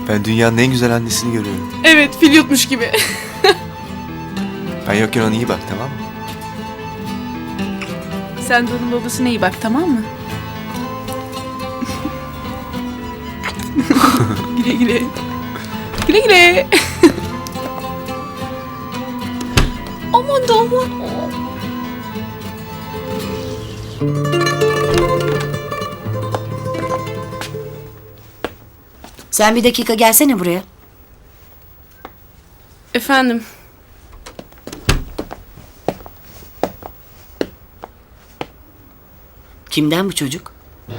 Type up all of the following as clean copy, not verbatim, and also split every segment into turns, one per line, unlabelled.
Ben dünyanın en güzel annesini görüyorum.
Evet, fil yutmuş gibi.
Ben yokken ona iyi bak, tamam mı?
Sen de onun babasına iyi bak, tamam mı? Güle güle. Güle güle. Aman da aman.
Sen bir dakika gelsene buraya.
Efendim,
Kimden bu çocuk?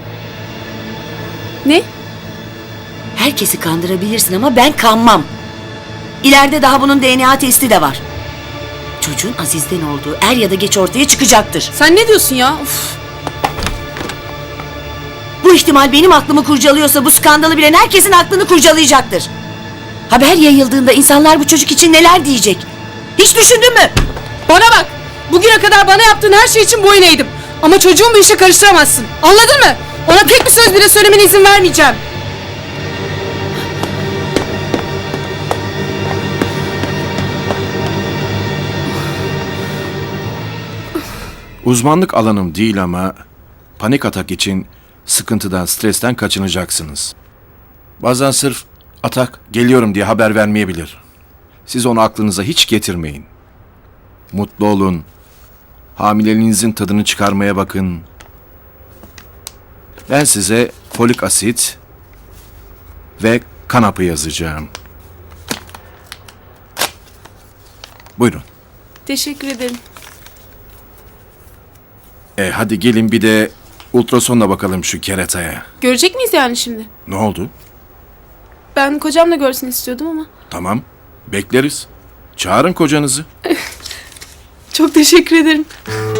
ne?
Herkesi kandırabilirsin ama ben kanmam. İleride daha bunun DNA testi de var. Çocuğun Aziz'den olduğu er ya da geç ortaya çıkacaktır.
Sen ne diyorsun ya? Uf.
Bu ihtimal benim aklımı kurcalıyorsa bu skandalı bilen herkesin aklını kurcalayacaktır. Haber yayıldığında insanlar bu çocuk için neler diyecek? Hiç düşündün mü?
Bana bak! Bugüne kadar bana yaptığın her şey için boyun eğdim. Ama çocuğumu bu işe karıştıramazsın. Anladın mı? Ona tek bir söz bile söylemene izin vermeyeceğim.
Uzmanlık alanım değil ama panik atak için sıkıntıdan, stresten kaçınacaksınız. Bazen sırf atak geliyorum diye haber vermeyebilir. Siz onu aklınıza hiç getirmeyin. Mutlu olun. Hamileliğinizin tadını çıkarmaya bakın. Ben size folik asit ve kan hapı yazacağım. Buyurun.
Teşekkür ederim.
Hadi gelin bir de ultrasonla bakalım şu kerataya.
Görecek miyiz yani şimdi?
Ne oldu?
Ben kocam da görsün istiyordum ama.
Tamam, bekleriz. Çağırın kocanızı.
Çok teşekkür ederim.